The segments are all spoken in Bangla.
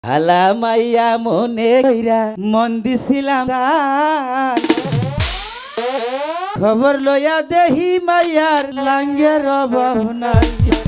হালা মাইয়া মনে কইরা মন দিছিলাম খবর লইয়া দেহি মাইয়ার লাঙ্গের অভাব নাই।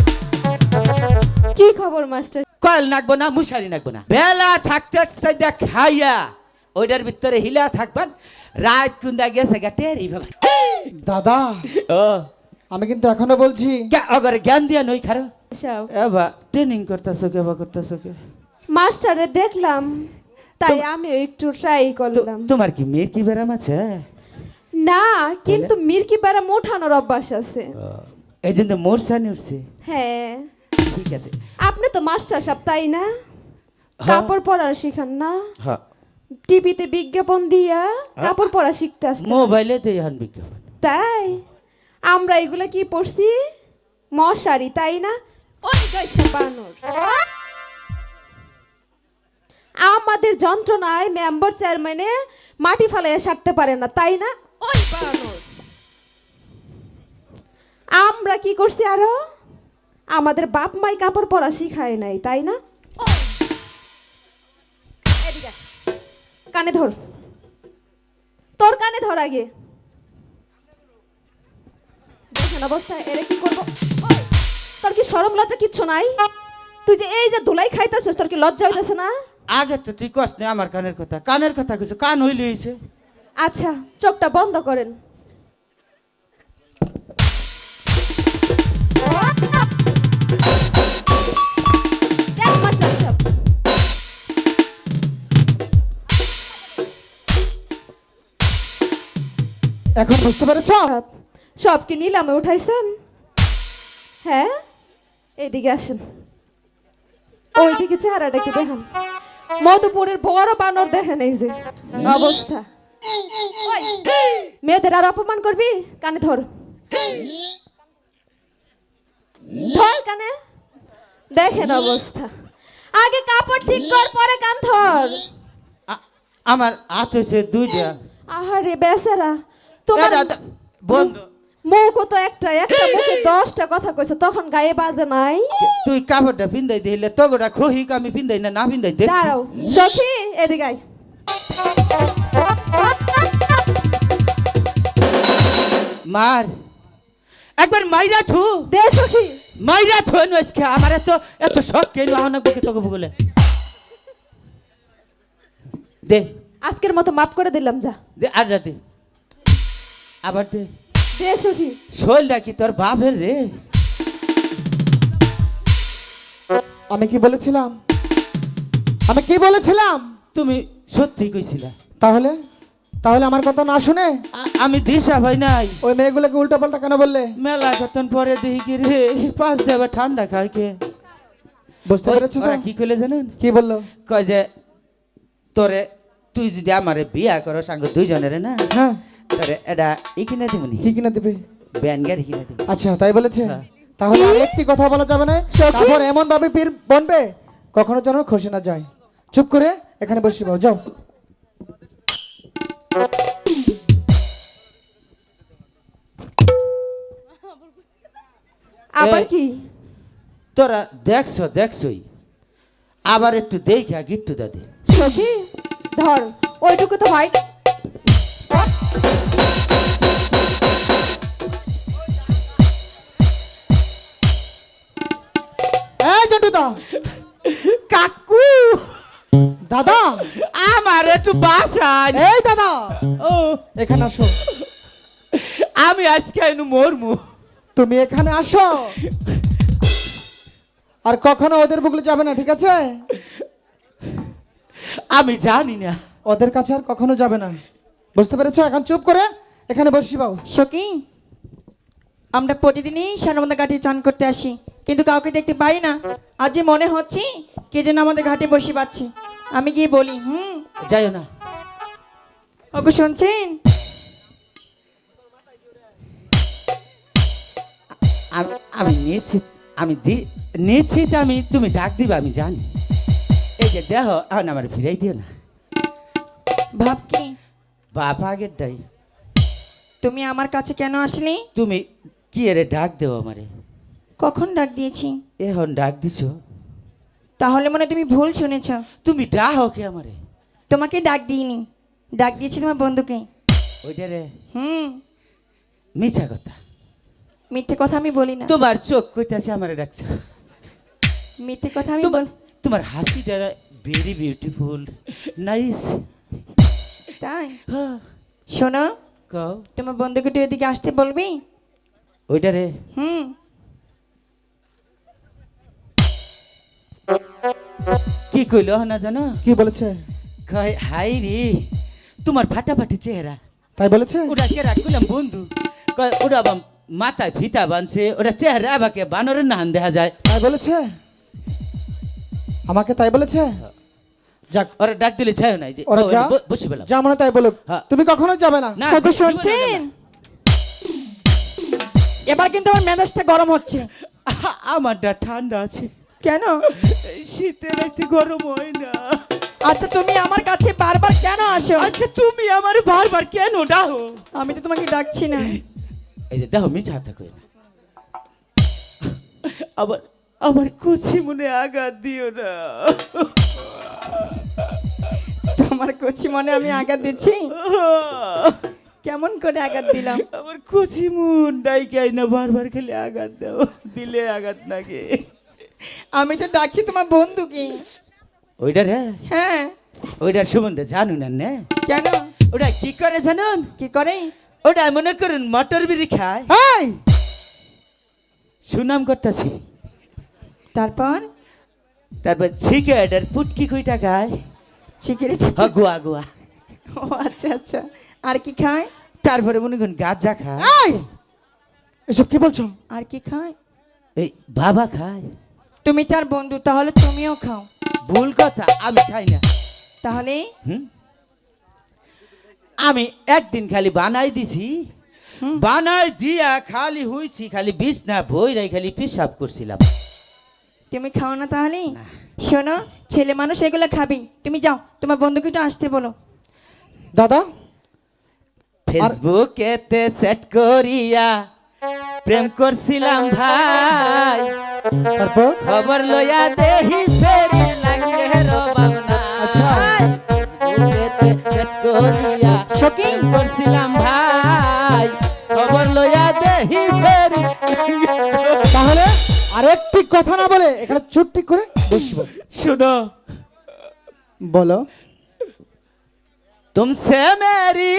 কি খবর মাস্টার? কয়েল নাকবো না, মুশারি নাকবো না, বেলা থাকতে থাকতে খাইয়া ওইটার ভিতরে হিলা থাকবেন। রাত কুন্দা গেছে গাটেরি বাবা। দাদা ও আমি কিন্তু এখনো বলছি অগরে জ্ঞান দিয়া নই খারো সব এবা ট্রেনিং করতেছো কে বা করতেছো কে? মাস্টারে দেখলাম তাই আমি একটু ট্রাই করলাম। তোমার কি মেয়ের কি ব্যারাম আছে? না, কিন্তু মির্কি পাড়া মোঠানোর অভ্যাস আছে। এই জন্য মোর সানি উঠছে। হ্যাঁ, ঠিক আছে। আপনি তো মাস্টার সাহেব তাই না? হ্যাঁ। কাপড় পরা শিখান না? হ্যাঁ, টিভিতে বিজ্ঞাপন দিয়া কাপড় পরা শিখতে আসতে। মোবাইলে দেই হন বিজ্ঞাপন। তাই আমরা এগুলা কি পড়ছি? মশারি তাই না? ওই গাইছে বানর। আমাদের যন্ত্রণায় মেম্বার চেয়ারম্যানে মাটি ফালাইয়া সারতে পারে না তাই না? ওই বানর। আমরা কি করছি আরো? আমাদের বাপ মাই কাপড় পরা শিখায় নাই তাই না? ওই। এদিকে আয়। কানে ধর, তোর কানে ধর আগে। দেখেন অবস্থা, এরে কি করবো? ওই, তোর কি শরম লজ্জা কিচ্ছু নাই? তুই যে এই যে ধুলাই খাইতেছিস, তোর কি লজ্জা হইতেছে না? আগে তো তুই কষ্ট নেই আমার কানের কথা কিছু কান হইলে হয়েছে। আচ্ছা, চোখটা বন্ধ করেন। দেখ মাস্টার সাহেব, এখন বুঝতে পেরেছ? সব কি নিলামে উঠাইছেন? হ্যাঁ, এইদিকে আসেন, ওইদিকে চেহারাটা একটু দেখেন। মধুপুরের বড় বানর দেখেন, এই যে অবস্থা। ওই, মেয়েদের আর অপমান করবি? কানে ধর, ধর কানে। দেখেন অবস্থা, আগে কাপড় ঠিক কর, পরে কান ধর। আমার হাত হয়েছে দুইটা। আহারে বেচারা, তোমার বন্ধ। মুখ তো একটা একটা মুখে 10টা কথা কইছো, তখন গায়ে বাজে নাই? তুই কাপড়টা পিন্দাই দিলে তোগোটা খহিক আমি পিন্দাই না না পিন্দাই দে। দাঁড়াও সখী, এদিকে আয়। মার একবার মাইরা থু দে সখী। মাইরা থু আজকে আমার এত শখ কেন আহনা বুকে তোকে বলে দে আজকের মতো মাফ করে দিলাম, যা। দে আর দে আবার দে। দে সখী। শোলটা কি তোর বাপের রে? আমি কি বলেছিলাম? আমি কি বলেছিলাম? তুমি সত্যি কইছিলা। তাহলে তাহলে আমার কথা না শুনে আমি দিশা ভাই নাই। ওই মেয়েগুলোকে উল্টো পাল্টা কেন বললে? মেলা কতন পরে দেখি কি রে পাঁচ দেবে ঠান্ডা খায় কে। বুঝতে পেরেছো তো? ওরা কি কইলে জানেন? কি বললো? কয় যে তোরে তুই যদি আমারে বিয়া করো সাঙ্গ দুইজনের না, হ্যাঁ, তোরে এটা ই কিনে দিবনি, কি কিনা দিবে? ব্যান গাড়ি কিনে দিব। আচ্ছা তাই বলেছে? হ্যাঁ। তাহলে আর একটি কথা বলা যাবে না। তারপর এমন ভাবে পীর বনবে কখনো যেন খসে না যায়। চুপ করে এখানে বসে পাও, যাও। আবার কি? তোরা দেখছই আবার একটু দেখা গিট্টু দাদি। সখী ধর, ওইটুকু তো হয় না। এই জন্টুদা, কাকু দাদা, আমার একটু বাঁচান। এই দাদা, ও এখানে আসো। আমি আজকে এনু মরমু। তুমি এখানে আসো, আর কখনো ওদের বুকলে যাবে না, ঠিক আছে? আমি জানি না। ওদের কাছে আর কখনো যাবে না, বুঝতে পেরেছো? এখন চুপ করে এখানে বসি পাও। সখী, আমরা প্রতিদিনই সানবন্ধা ঘাটে চান করতে আসি, কিন্তু কাউকে দেখতে পাই না। আজ যে মনে হচ্ছে কে যেন আমাদের ঘাটে বসে পাচ্ছে। আমি গিয়ে বলি, যাইও না। ওকে শুনছেন? আমি নিশ্চিত, নিশ্চিত আমি তুমি ডাক দিবা আমি জানি। এই যে দেহ এখন আমার ফিরাই দিও না। ভাব কি বাপ আগের ডাই। তুমি আমার কাছে কেন আসলে? তুমি কি এরে ডাক দেও আমারে? কখন ডাক দিয়েছি? এখন ডাক দিছো? তাহলে মনে হয় তুমি ভুল শুনেছ। তুমি ডাহো কে আমারে? তোমাকে ডাক দিইনি, ডাক দিয়েছি তোমার বন্ধুকে। ওইটা রে হুম, মিছা কথা। মিথ্যে কথা আমি বলি না, তোমার চোখ কইতাছে আমারে ডাকছে। মিথ্যে কথা আমি তোমার বল। তোমার হাসিটা ভেরি বিউটিফুল, নাইস। তাই শোনো, কও। তোমার বন্ধুকে তুই এদিকে আসতে বলবি? ওইটা রে হুম, কি কইলো না জানো? কি বলেছে? কয় হাই রে তোমার ফাটাফাটি চেহারা। তাই বলেছে? ওটা কে রাখলাম বন্ধু? কয় ওটা আবার মাথায় ফিতা বানছে, ওটা চেহারা আবাকে বানরের নান দেখা যায়। তাই বলেছে? আমাকে তাই বলেছে? যাক, ওরা ডাক দিলে চায় নাই যে ওরা ও, যা বসে পেলাম যা মনে তাই বলুক, হ্যাঁ। তুমি কখনো যাবে না। না, কত জীবনে শুনছেন? যাবে এবার কিন্তু আমার মেজাজটা গরম হচ্ছে। না। আমারটা ঠান্ডা আছে, কেন? এই শীতে রাতে গরম হয় না। আচ্ছা তুমি আমার কাছে বারবার কেন আসো? আচ্ছা তুমি আমার বারবার কেন ডাকো? আমি তো তোমাকে ডাকছি না। এই যে দেখো মিছা কথা কই না। আবার আমার কুচি মনে আঘাত দিও না। তোমার কচি মনে আমি আঘাত দিচ্ছি? কেমন করে আঘাত দিলাম? আমার কুচি মন ডাইকাই না, বারবার খালি আঘাত দাও, দিলে আঘাত লাগে। আমি তো ডাকছি তোমার বন্ধুকে। ওইটা রে, হ্যাঁ, ওইটার সম্বন্ধে জানুন না? কেন? ওটা কি করে জানুন? কি করে? ওটা মনে করুন মটর বিড়ি খায়, এই সুনাম করতেছি। তারপর তারপর সিগারেট আর পুটকি কইটা খায়, সিগারেট। গুয়া গুয়া। ও আচ্ছা আচ্ছা, আর কি খায়? তারপরে মনে করুন গাঁজা খায়, এই এসব কি বলছো? আর কি খায়? এই বাবা খায়। তুমি তার বন্ধু, তাহলে তুমিও খাও। ভুল কথা, আমি খাই না। তাহলে হুম? আমি একদিন খালি বানাই দিছি, বানাই দিয়া খালি হইছি, খালি বিছনা বইরাই খালি পেশাব করছিলাম। তুমি খাও না তাহলে? শোনো, ছেলে মানুষ এগুলো খাবি। তুমি যাও, তোমার বন্ধুকে একটু আসতে বলো। দাদা, ফেসবুকেতে চ্যাট করিয়া প্রেম করছিলাম ভাই, তারপর? খবর লইয়া দেহি ফেরি লাগে রবানা। আচ্ছা। ফেসবুকেতে চ্যাট করিয়া সখী, করছিলাম ভাই, খবর লইয়া দেহি ফেরি। তাহলে আরেকটি কথা না বলে এখানে চুপটি করে বসবো। শুনো, বলো। तुमसे मेरी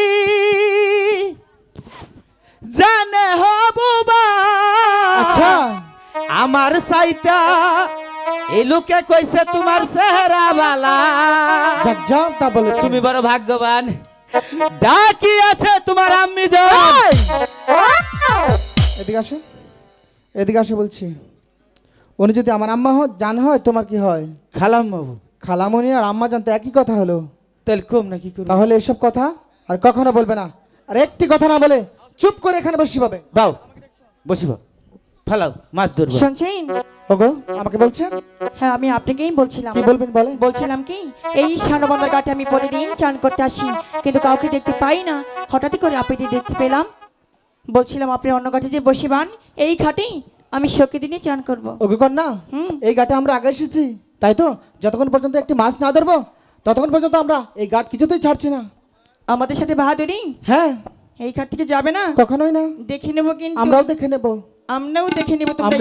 জানে হবুবা। আচ্ছা, আমার সাইতা এই লোকে কইছে তোমার চেহারা বালা। যাক যাও, তা বলে তুমি বড় ভাগ্যবান, ডাকি আছে তোমার আম্মি যান। এদিকে আসো, এদিকে আসো বলছি। উনি যদি আমার আম্মা হয়, জান হয়, তোমার কি হয়? খালাম বাবু, খালামণি আর আম্মা জানতে একই কথা হলো। তাহলে কম না কি করবো? তাহলে এসব কথা আর কখনো বলবে না। আর একটি কথা না বলে চুপ করে এখানে বসি পাবে। বাউ বসিব, ফালাও মাছ ধরবো। শুনছেন? ওগো, আমাকে বলছেন? হ্যাঁ, আমি আপনাকেই বলছিলাম। কি বলবেন বলে? বলছিলাম কি, এই সানবন্দর ঘাটে আমি প্রতিদিন চান করতে আসি, কিন্তু কাউকে দেখতে পাই না। হঠাৎ করে আপনাকে দেখতে পেলাম। বলছিলাম আপনি অন্য ঘাটে যে বসিবান, এই ঘাটেই আমি শোকে দিনই চান করব। ওগো কন্যা, হুম। এই ঘাটে আমরা আগে এসেছি, তাই তো? যতক্ষণ পর্যন্ত একটি মাছ না ধরবো ততক্ষণ পর্যন্ত আমরা এই ঘাট কিছুতেই ছাড়ছি না। আমাদের সাথে বাহাদুরি হ্যাঁ, এই ঘাট থেকে যাবে না? কখনোই না। দেখে নেবো, কিন্তু আমরাও দেখে নেবো। আমরাও দেখে নেবো তোমরা